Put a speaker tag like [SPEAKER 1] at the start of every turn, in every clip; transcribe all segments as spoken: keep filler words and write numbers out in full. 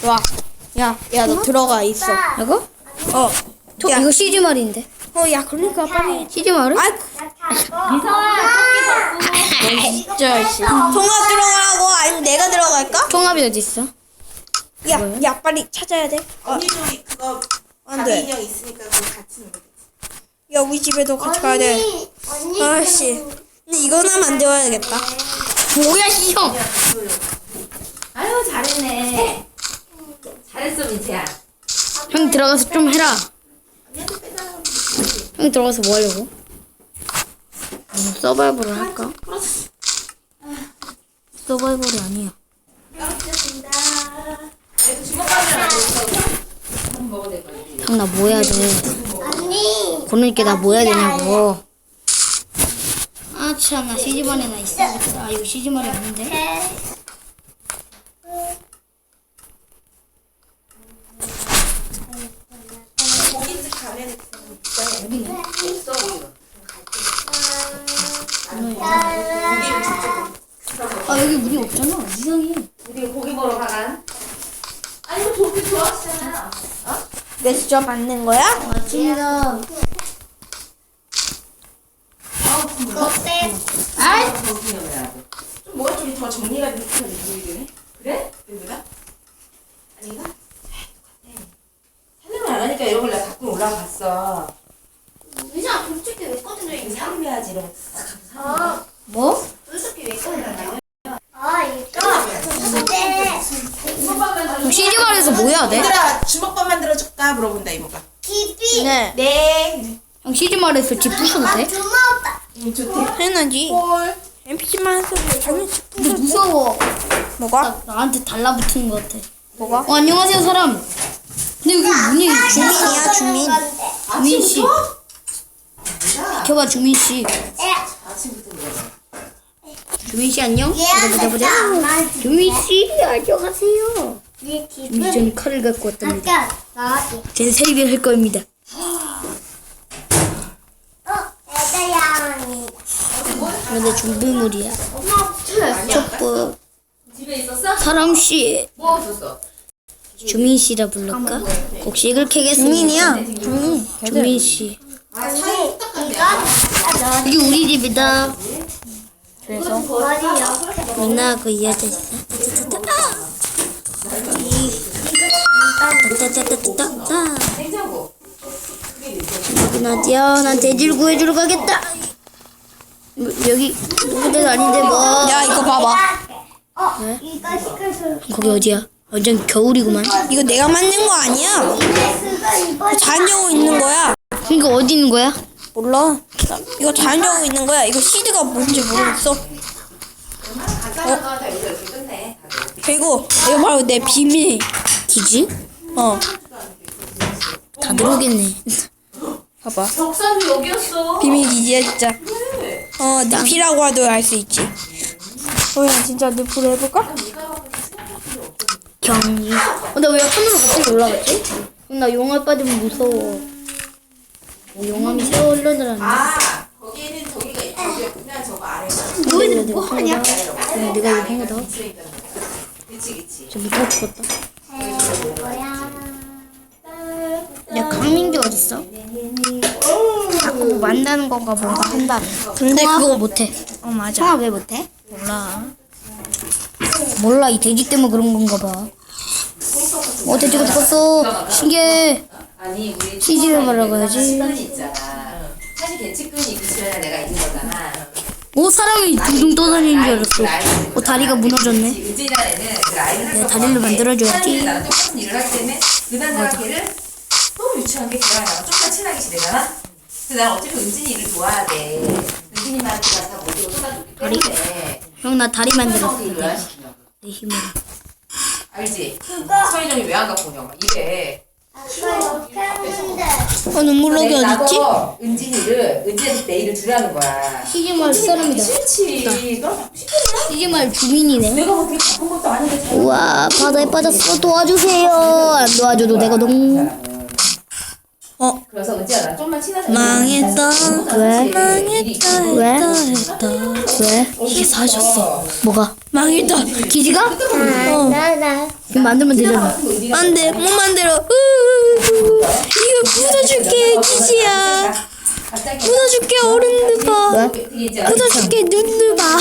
[SPEAKER 1] 좋아. 야, 야, 너 들어가 있어.
[SPEAKER 2] 이거?
[SPEAKER 1] 어.
[SPEAKER 2] 저,
[SPEAKER 1] 야.
[SPEAKER 2] 이거 시즈말인데.
[SPEAKER 1] 어, 야, 그러니까 빨리.
[SPEAKER 2] 시즈말은?
[SPEAKER 1] 아이, 진짜 씨. 통합 들어가라고 아니면 내가 들어갈까?
[SPEAKER 2] 통합이 어디 있어?
[SPEAKER 1] 야, 야, 빨리 찾아야 돼. 어,
[SPEAKER 3] 언니도 그거
[SPEAKER 1] 안 돼.
[SPEAKER 3] 가비 인형 있으니까 그거 같이 넣어.
[SPEAKER 1] 야, 우리 집에도 같이 가야 돼.
[SPEAKER 4] 언니.
[SPEAKER 1] 아씨. 근데 이거는 만들어야겠다.
[SPEAKER 2] 뭐야, 형!
[SPEAKER 3] 아유 잘했네. 잘했어 민채야.
[SPEAKER 2] 형 들어가서 좀 해라.
[SPEAKER 3] 언니한테 빼달라고.
[SPEAKER 2] 형 들어가서 뭐 하려고? 음, 서바이벌을 할까? 서바이벌이 아니야.
[SPEAKER 3] 알겠습니다. 그래도 주먹밥을 안 먹어서 한번 먹어도 될 거야.
[SPEAKER 2] 형, 나 뭐 해야 돼?
[SPEAKER 4] 언니.
[SPEAKER 2] 고르니까 나 뭐 해야 되냐고. 아, 참, 나 시즈말에 나 있어야겠다. 아, 이거 시즈말이 아닌데?
[SPEAKER 3] 고깃집 가면
[SPEAKER 2] 여기네.
[SPEAKER 3] 있어.
[SPEAKER 2] 아, 여기 물이 없잖아. 이상해.
[SPEAKER 3] 우리 고기 먹으러 가간. 아니 이거 고기 좋아하시잖아.
[SPEAKER 1] 내 진짜 맞는 거야?
[SPEAKER 2] 맞습니다.
[SPEAKER 4] 어때?
[SPEAKER 2] 아이!
[SPEAKER 3] 좀 뭐가 좀 더 정리가 되는 느낌이 그래? 여기가? 아닌가? 설명을 안 하니까 이런 걸 내가 갖고 올라갔어.
[SPEAKER 4] 의자 솔직히 왜 꺼내려
[SPEAKER 3] 이거
[SPEAKER 4] 있냐?
[SPEAKER 3] 사람해야지 이런 거.
[SPEAKER 4] 아,
[SPEAKER 2] 뭐?
[SPEAKER 4] 솔직히 왜 꺼내려? 아, 이거 근데
[SPEAKER 2] 그럼 시즈말에서 뭐 해야 돼?
[SPEAKER 3] 얘들아 주먹밥 만들어줄까 물어본다 이모가.
[SPEAKER 4] 깊이.
[SPEAKER 1] 네.
[SPEAKER 3] 네.
[SPEAKER 2] 형 시즈말에서 집 부셔도 돼?
[SPEAKER 4] 주먹다.
[SPEAKER 3] 응 좋대.
[SPEAKER 1] 해야지.
[SPEAKER 3] 볼.
[SPEAKER 1] 엠피씨만 해서 당연히
[SPEAKER 2] 근데 무서워.
[SPEAKER 1] 뭐가?
[SPEAKER 2] 나, 나한테 달라붙은 것 같아.
[SPEAKER 1] 뭐가?
[SPEAKER 2] 어, 안녕하세요, 사람. 근데 여기 문이
[SPEAKER 1] 주민이야, 주민.
[SPEAKER 2] 주민 씨. 비켜봐, 주민 씨.
[SPEAKER 3] 아침부터 그래.
[SPEAKER 2] 주민 씨 안녕? 보자, 보자, 보자.
[SPEAKER 4] 얘
[SPEAKER 2] 주민 씨, 안녕하세요.
[SPEAKER 4] 깊이.
[SPEAKER 2] 주민 씨 칼을 갖고 왔답니다.
[SPEAKER 4] 아까 나왔지.
[SPEAKER 2] 제 세일을 할 겁니다.
[SPEAKER 4] 어, 애들양이.
[SPEAKER 2] 근데 준비물이야. 촛불.
[SPEAKER 3] 집에 있었어?
[SPEAKER 2] 사람 씨.
[SPEAKER 3] 뭐 없었어?
[SPEAKER 2] 주민 씨라 부를까? 곡식을 캐겠습니다.
[SPEAKER 1] 주민이야. 주민.
[SPEAKER 2] 주민 씨.
[SPEAKER 3] 아 사이 딱한데.
[SPEAKER 2] 여기 우리 집이다.
[SPEAKER 1] 그래서
[SPEAKER 4] 어디요?
[SPEAKER 2] 민나 그 이어져 있어. 따따따따따따.
[SPEAKER 3] 냉장고.
[SPEAKER 2] 여긴 어디야? 난 돼지를 구해주러 가겠다. 뭐, 여기 누구들 아닌데 뭐?
[SPEAKER 1] 야, 이거 봐봐.
[SPEAKER 4] 어,
[SPEAKER 2] 네?
[SPEAKER 4] 이거 시켜서.
[SPEAKER 2] 거기 어디야? 완전 겨울이구만.
[SPEAKER 1] 이거 내가 만든 거 아니야.
[SPEAKER 4] 그거 이거
[SPEAKER 1] 자연적으로 있는 거야.
[SPEAKER 2] 그러니까 어디 있는 거야?
[SPEAKER 1] 몰라. 이거 자연적으로 있는 거야. 이거 시드가 뭔지 모르겠어.
[SPEAKER 3] 가까이가 다 여기서 이렇게 끝내. 다들.
[SPEAKER 1] 그리고 이거 바로 내 비밀.
[SPEAKER 2] 기지?
[SPEAKER 1] 어,
[SPEAKER 2] 다 들어오겠네.
[SPEAKER 1] 봐봐.
[SPEAKER 3] 벽산도 여기였어.
[SPEAKER 1] 비밀 기지야 진짜.
[SPEAKER 3] 그래.
[SPEAKER 1] 어, 늪이라고 하도 알 수 있지. 어, 야, 진짜 늪으로 해볼까?
[SPEAKER 2] 경이. 어, 나 왜 하늘로 갑자기 올라갔지? 나 용암 빠지면 무서워. 뭐 용암이 새어 흘러들었네.
[SPEAKER 3] 아 거기에는 저기가 있구나. 저거 아래가.
[SPEAKER 2] 너희들 뭐 하냐? 어, 내가 이거 한 거다.
[SPEAKER 3] 그치 그치.
[SPEAKER 2] 저 무서워 죽었다.
[SPEAKER 4] 뭐야?
[SPEAKER 2] 야, 강민규 어딨어? 자꾸 뭐 만드는 건가 뭔가 한다.
[SPEAKER 1] 근데
[SPEAKER 2] 통합
[SPEAKER 1] 그거
[SPEAKER 2] 못해.
[SPEAKER 1] 어, 맞아.
[SPEAKER 2] 통합 왜 못해?
[SPEAKER 1] 몰라.
[SPEAKER 2] 몰라, 이 돼지 때문에 그런 건가 봐. 어, 돼지가 죽었어. 신기해.
[SPEAKER 3] 아니 우리
[SPEAKER 2] 치즈를 말하고 해야지.
[SPEAKER 3] 시간이 있잖아. 사실 개치근이 있으면 내가 있는 거잖아.
[SPEAKER 2] 오, 사람이 둥둥 떠다니는 줄 알았어. 어, 다리가 무너졌네.
[SPEAKER 3] 은진이라는 애는 그 라인을
[SPEAKER 2] 내가 다리를 만들어줘야지.
[SPEAKER 3] 나랑 똑같은 일을 하기 때문에 그날 걔를 너무 유치한 게 걔랑 나랑 좀더 친하게 지내잖아. 근데 난 어차피 은진이 일을 도와야 돼. 은진이한테 다 모두가 쏟아줬기 때문에
[SPEAKER 2] 형, 나 다리 만들었어.
[SPEAKER 3] 성이 일을 안 시키냐고.
[SPEAKER 2] 내 힘으로.
[SPEAKER 3] 알지? 서희정이 왜 안 갖고 오냐고 이래.
[SPEAKER 4] 아까 이렇게 했는데.
[SPEAKER 1] 어, 눈물록이
[SPEAKER 3] 내가
[SPEAKER 1] 어딨지?
[SPEAKER 3] 나도 은진이를 은진한테 내 일을 주라는 거야.
[SPEAKER 2] 시즈말 사람이다.
[SPEAKER 3] 싫지. 너
[SPEAKER 2] 시즈말 주민이네.
[SPEAKER 3] 내가 뭐 되게 바쁜 것도 아닌데 잘
[SPEAKER 2] 우와, 바다에 빠졌어. 도와주세요. 안 도와줘도 되거든.
[SPEAKER 1] 어
[SPEAKER 3] 그래서 은지야 나 좀만 친하게.
[SPEAKER 1] 망했다.
[SPEAKER 2] 왜?
[SPEAKER 1] 망했다.
[SPEAKER 2] 왜?
[SPEAKER 1] 했다 했다.
[SPEAKER 2] 왜?
[SPEAKER 1] 이게 사셨어.
[SPEAKER 2] 뭐가?
[SPEAKER 1] 망했다.
[SPEAKER 2] 기지가?
[SPEAKER 1] 어.
[SPEAKER 4] 나나
[SPEAKER 2] 그럼 만들면 되잖아.
[SPEAKER 1] 안돼 못 만들어. 으으으으. 이거 부숴줄게 기지야. 부숴줄게 어른들 봐. 부숴줄게 눈들 봐.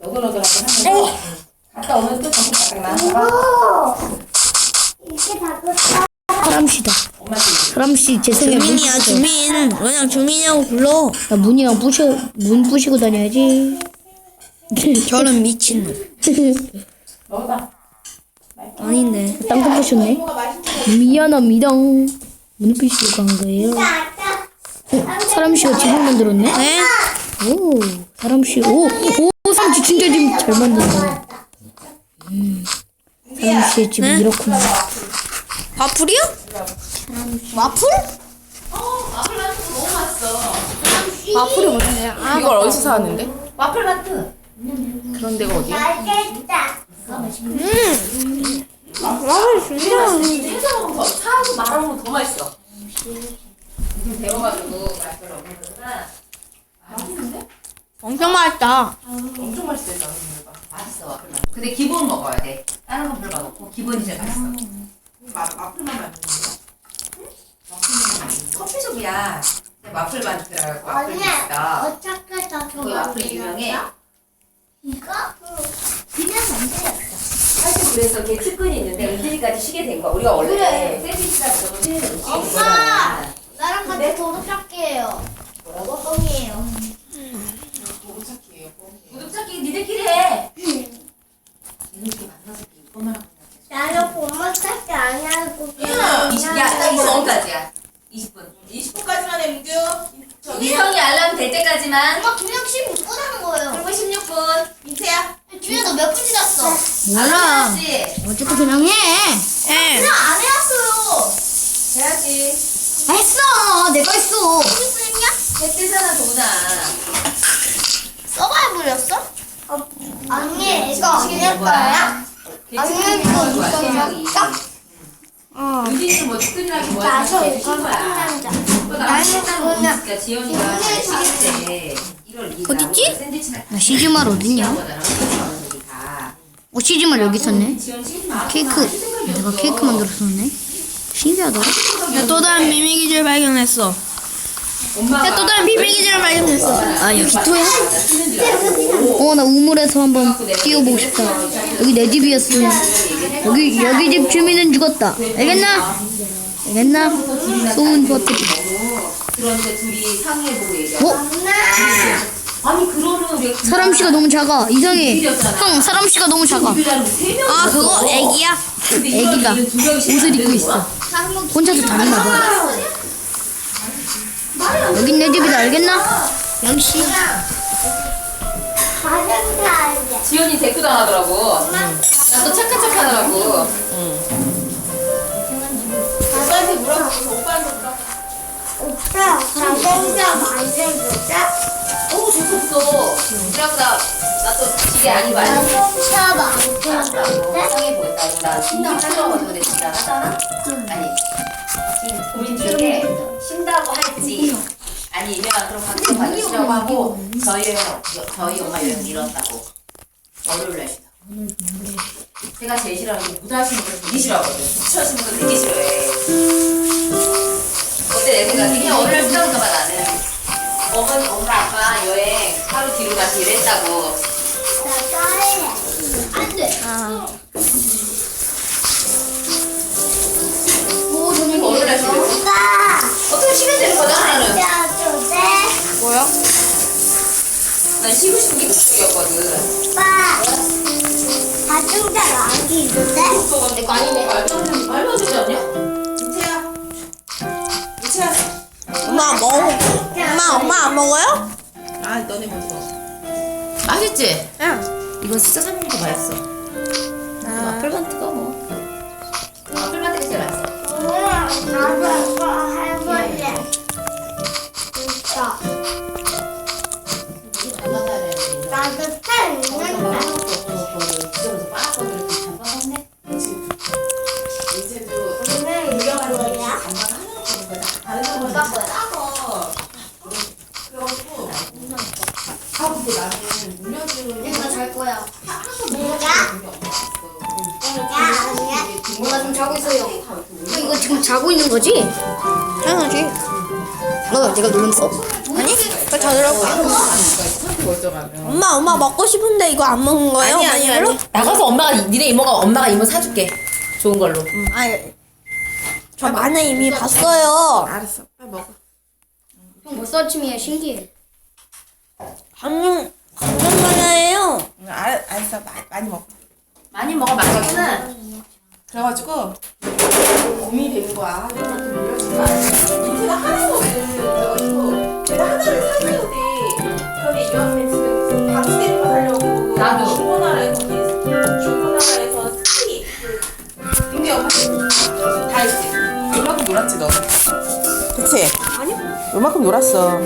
[SPEAKER 3] 갔다 오면 또 정신 바짝 나.
[SPEAKER 4] 이게 다 컸다.
[SPEAKER 2] 사람씨다. 사람씨 제 생에 문
[SPEAKER 1] 주민이야
[SPEAKER 2] 부셔.
[SPEAKER 1] 주민. 그냥 주민이라고 불러.
[SPEAKER 2] 나 문이랑 부셔 문 부시고 다녀야지.
[SPEAKER 1] 저런 미친놈.
[SPEAKER 3] 먹어봐.
[SPEAKER 1] 아닌데.
[SPEAKER 2] 땅콩 부셨네. 미안합니다. 문을 부시고 한 거예요. 어, 사람씨가 집을 만들었네.
[SPEAKER 1] 네?
[SPEAKER 2] 오, 사람씨. 오, 오, 사람씨 진짜 지금 잘 만든다. 음, 사람씨의 집은
[SPEAKER 1] 네?
[SPEAKER 2] 이렇구나.
[SPEAKER 1] 와플이요? 와플?
[SPEAKER 3] 와플 마트 너무 맛있어.
[SPEAKER 1] 와플이 뭔데요? 아,
[SPEAKER 5] 이걸 어디서 사왔는데?
[SPEAKER 3] 와플 마트.
[SPEAKER 5] 그런 데가 어디야?
[SPEAKER 4] 맛있다.
[SPEAKER 1] 와플 진짜.
[SPEAKER 3] 해서 먹으면 더 사고 말하면 더 맛있어. 데워가지고 맛을 없는 거구나. 맛있는데?
[SPEAKER 1] 엄청 맛있다.
[SPEAKER 3] 엄청 맛있겠다. 맛있어 와플 마트. 근데 기본 먹어야 돼. 다른 건 별로 맛없고 기본이 제일 맛있어. 와플만 만드는 거야? 커피숍이야. 와플 마트라고 와플
[SPEAKER 4] 언니
[SPEAKER 3] 있다.
[SPEAKER 4] 어떻게 다
[SPEAKER 3] 거기 와플 유명해.
[SPEAKER 4] 이거 그냥 만들었어.
[SPEAKER 3] 사실 그래서 이렇게 측근이 있는데 은진이까지 쉬게 된 거야. 우리가 원래
[SPEAKER 4] 그래.
[SPEAKER 3] 샌드위치가 무조건 쉬는 음식인
[SPEAKER 4] 엄마!
[SPEAKER 3] 거잖아.
[SPEAKER 4] 나랑 같이 도둑잡기예요. 뭐라고? 뻥이에요.
[SPEAKER 3] 구독 찾기 니들끼리 해. 니들끼리 만나서 이것만 하고
[SPEAKER 4] 나는 보모 찾기 안 하고
[SPEAKER 3] 이십, 야, 딱 이십 분까지야. 이십 분.
[SPEAKER 5] 이십 분까지만 해, 민규. 저기.
[SPEAKER 3] 미성이 알람 될 때까지만.
[SPEAKER 4] 엄마 두 명씩 못 하는 거예요.
[SPEAKER 3] 그리고 십육 분.
[SPEAKER 5] 민채야.
[SPEAKER 4] 주야 너 몇 분 지났어?
[SPEAKER 2] 몰라.
[SPEAKER 3] 해야지.
[SPEAKER 2] 어쨌든 그냥 해.
[SPEAKER 1] 예.
[SPEAKER 4] 그냥 안 해왔어요.
[SPEAKER 3] 해야지.
[SPEAKER 2] 했어. 내가 했어.
[SPEAKER 4] 무슨 소리냐?
[SPEAKER 3] 했대잖아, 도나.
[SPEAKER 4] 서바이벌이었어? 어, 언니 이거 언니 거야?
[SPEAKER 3] 괜찮은
[SPEAKER 4] 이거
[SPEAKER 3] 거야,
[SPEAKER 4] 이거
[SPEAKER 3] 생각이.
[SPEAKER 1] 어.
[SPEAKER 3] 유진이는 뭐 특근이라기 뭐야.
[SPEAKER 4] 나서
[SPEAKER 3] 이렇게
[SPEAKER 4] 이거
[SPEAKER 3] 쉰 거야.
[SPEAKER 4] 끝난다.
[SPEAKER 3] 또 나는 보니까 지연이가 잘 쉬겠대. 일월 이일 날
[SPEAKER 1] 어딨지?
[SPEAKER 3] 샌드위치나
[SPEAKER 2] 나 시즈말 어딨냐?
[SPEAKER 3] 거잖아. 우리 다.
[SPEAKER 2] 어, 시즈말 여기 있었네.
[SPEAKER 3] 지연 쉬지 마.
[SPEAKER 2] 케이크. 내가 케이크 만들었었네. 신기하다.
[SPEAKER 1] 야, 또 다른 비밀 기지를 발견했어.
[SPEAKER 3] 엄마가
[SPEAKER 1] 야, 또 다른 비밀 기지를 발견했어.
[SPEAKER 2] 아, 여기 또야? 어, 나 우물에서 한번 뛰어보고 싶다. 여기 내 집이었어. 여기, 여기 집 주민은 죽었다. 알겠나? 알겠나? 소은 버튼.
[SPEAKER 3] 그런데 둘이 상의해보고 얘기하고.
[SPEAKER 2] 어?
[SPEAKER 3] 아니 그러면 우리
[SPEAKER 2] 사람씨가 너무 작아. 이상해. 형, 사람씨가 너무 작아.
[SPEAKER 1] 아, 그거 애기야?
[SPEAKER 2] 애기가 옷을 입고 있어. 혼자서 다니나 봐. 여긴 내 집이다. 알겠나?
[SPEAKER 1] 역시.
[SPEAKER 4] 가정사 알게.
[SPEAKER 3] 지연이 데리고 당하더라고. 나 또 착한 척 하더라고.
[SPEAKER 5] 오빠한테 물어보고 오빠한테 물어보고.
[SPEAKER 4] 오빠 가정사 만들자.
[SPEAKER 3] 오 좋겠어. 그래갖고 나나또 지게 아니고 아니.
[SPEAKER 4] 가정사 만들자.
[SPEAKER 3] 상의해보겠다고. 나 쉰다고 하려고 근데 지가 하잖아? 아니 지금 고민 중에 쉰다고 할지 아니면 그럼 각자 받으시라고 하고 저희 저희 엄마 여행 미뤘다고. 월요일날 쉬다. 제가 제일 싫어하는 게 무다하시는 걸 되게 싫어하거든. 무치하시는 걸 되게 싫어해. 어때 내 생각에? 그냥 월요일 쉬다가 봐 나는. 어머니, 엄마, 아빠 여행 하루 뒤로 가서 일했다고.
[SPEAKER 4] 나 짜해. 안 돼.
[SPEAKER 3] 오, 저녁에 월요일날 쉬려고?
[SPEAKER 4] 오빠.
[SPEAKER 3] 어떻게 쉬면 되는 거잖아 나는.
[SPEAKER 4] 야, 돼.
[SPEAKER 1] 뭐야?
[SPEAKER 3] 난 쉬고 싶은 게 그쪽이었거든.
[SPEAKER 4] 오빠. 가정사가 안 있는데?
[SPEAKER 3] 내거 아니네. 말도 안 되지. 말도 안 되지 않냐?
[SPEAKER 5] 민채야. 민채야.
[SPEAKER 1] 엄마 먹어. 엄마, 엄마 안 먹어요?
[SPEAKER 5] 아, 너네 먼저 먹어. 맛있지?
[SPEAKER 1] 응.
[SPEAKER 5] 이거 진짜 사는 거 맛있어.
[SPEAKER 1] 아,
[SPEAKER 3] 풀만 뜨거 뭐. 아, 풀만 뜨거 제일 맛있어.
[SPEAKER 4] 엄마, 나도 이거 해볼래. 진짜. 나도 펜 있는데.
[SPEAKER 5] 민채도
[SPEAKER 4] 오늘 이거 뭐야?
[SPEAKER 3] 아, 못 바꿔요.
[SPEAKER 4] 내가 잘 거야. 내가? 내가?
[SPEAKER 2] 뭐가 지금 자고 있어요. 너 이거 지금 자고 있는 거지?
[SPEAKER 1] 당연하지.
[SPEAKER 2] 너 내가 눌렀어?
[SPEAKER 1] 아니? 그거 자더라고. 엄마, 엄마 먹고 싶은데 이거 안 먹는 거예요?
[SPEAKER 5] 아니 아니
[SPEAKER 1] 어머니
[SPEAKER 5] 아니. 나가서 엄마가 니네 이모가 엄마가 이모 사줄게. 좋은 걸로.
[SPEAKER 1] 아니, 저 마늘 이미 봤어요.
[SPEAKER 5] 알았어. 빨리 먹어.
[SPEAKER 2] 형 벌써 아침이야. 신기해.
[SPEAKER 1] 감정, 감정 마늘이에요.
[SPEAKER 5] 응, 알 알았어. 마, 많이 먹어.
[SPEAKER 3] 많이 먹어 맛있는.
[SPEAKER 5] 그래가지고 고민이 되는 거야. 인테가 하나거든. 그래가지고 제가 하나를 사줘야 돼. 그런데 이 언니 지금 방스테이프 하려고
[SPEAKER 3] 나도.
[SPEAKER 5] 중고나라에서 중고나라에서 스키 그 근데 엄마 다 했지. 이만큼 놀았지 너. 그치? 아니요. 이만큼 놀았어.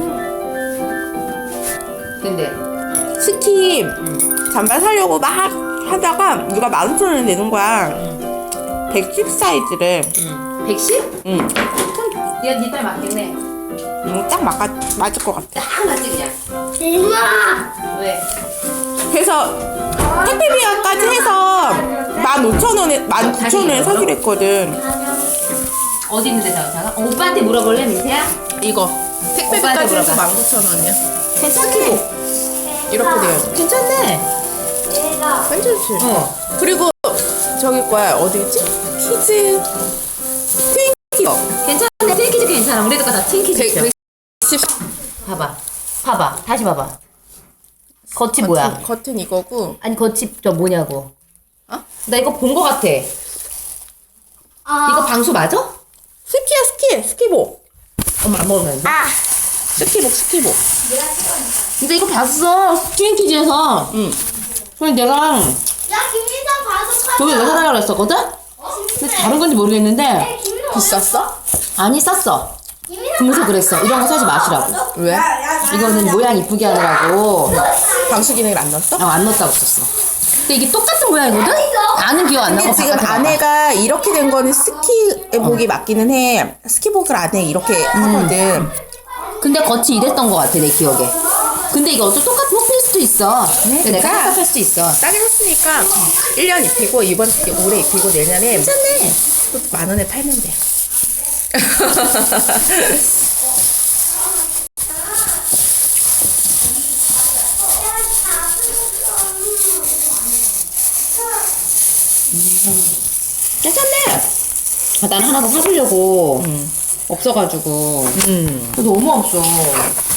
[SPEAKER 3] 근데
[SPEAKER 5] 스키 잠바 사려고 막 하다가 누가 만 오천 원을 내는 거야. 백십 사이즈를.
[SPEAKER 3] 백십?
[SPEAKER 5] 응.
[SPEAKER 3] 얘가 니딸 맞겠네.
[SPEAKER 5] 응, 딱 맞아, 맞을 것 같아.
[SPEAKER 3] 딱 맞지 그냥.
[SPEAKER 4] 엄마!
[SPEAKER 3] 왜?
[SPEAKER 5] 그래서 택배비까지 해서 만 오천 원에 만 구천 원에 사기로 했거든.
[SPEAKER 3] 어디 있는데 자가? 어, 오빠한테 물어볼래 민태야?
[SPEAKER 5] 이거
[SPEAKER 3] 오빠한테
[SPEAKER 5] 택배비까지 해서
[SPEAKER 3] 물어봐.
[SPEAKER 5] 만 구천 원이야.
[SPEAKER 3] 괜찮기고.
[SPEAKER 5] 이렇게 돼요.
[SPEAKER 3] 괜찮네.
[SPEAKER 4] 내가.
[SPEAKER 5] 괜찮지?
[SPEAKER 3] 어.
[SPEAKER 5] 그리고 저기 거야 어디겠지? 키즈 트윈키즈.
[SPEAKER 3] 괜찮네. 트윈키즈 괜찮아. 우리 애들 거다 트윈키즈.
[SPEAKER 5] 백십
[SPEAKER 3] 봐봐. 봐봐. 다시 봐봐. 겉이 뭐야?
[SPEAKER 5] 겉은 이거고.
[SPEAKER 3] 아니 겉이 저 뭐냐고.
[SPEAKER 5] 어?
[SPEAKER 3] 나 이거 본 거 같아.
[SPEAKER 4] 아.
[SPEAKER 3] 이거 방수 맞아?
[SPEAKER 5] 스키야 스키 스키복.
[SPEAKER 3] 엄마 안 먹으면 안 돼?
[SPEAKER 5] 스키복 스키복.
[SPEAKER 3] 근데 이거 봤어. 트윈키즈에서.
[SPEAKER 5] 응.
[SPEAKER 3] 그래서 내가
[SPEAKER 4] 야, 김민상 봐서
[SPEAKER 3] 저기 왜 사달라고 했었거든? 근데 다른 건지 모르겠는데
[SPEAKER 5] 비쌌어?
[SPEAKER 3] 아니 쌌어. 그러면서 그랬어. 이런 거 사지 마시라고.
[SPEAKER 5] 왜?
[SPEAKER 3] 이거는 모양 이쁘게 하느라고.
[SPEAKER 5] 방수 기능을 안 넣었어?
[SPEAKER 3] 아, 안 넣었다고 썼어. 근데 이게 똑같은 모양이거든? 나는 기억 안 나고
[SPEAKER 5] 근데 지금
[SPEAKER 3] 바깥에 봐봐.
[SPEAKER 5] 안에가 이렇게 된 거는 스키복이 맞기는 해. 스키복을 안에 이렇게 하거든.
[SPEAKER 3] 근데 겉이 이랬던 것 같아 내 기억에. 근데 이거 어쩌 똑같은 호피일 수도 있어. 근데 내가
[SPEAKER 5] 그러니까
[SPEAKER 3] 깜빡할 수도 있어.
[SPEAKER 5] 싸게 샀으니까 일 년 입히고 이번 올해 입히고 내년에
[SPEAKER 3] 괜찮네.
[SPEAKER 5] 또 만 원에 팔면 돼.
[SPEAKER 3] 괜찮네. 아, 난 하나 더 사보려고.
[SPEAKER 5] 음.
[SPEAKER 3] 없어가지고.
[SPEAKER 5] 음.
[SPEAKER 3] 너무 없어.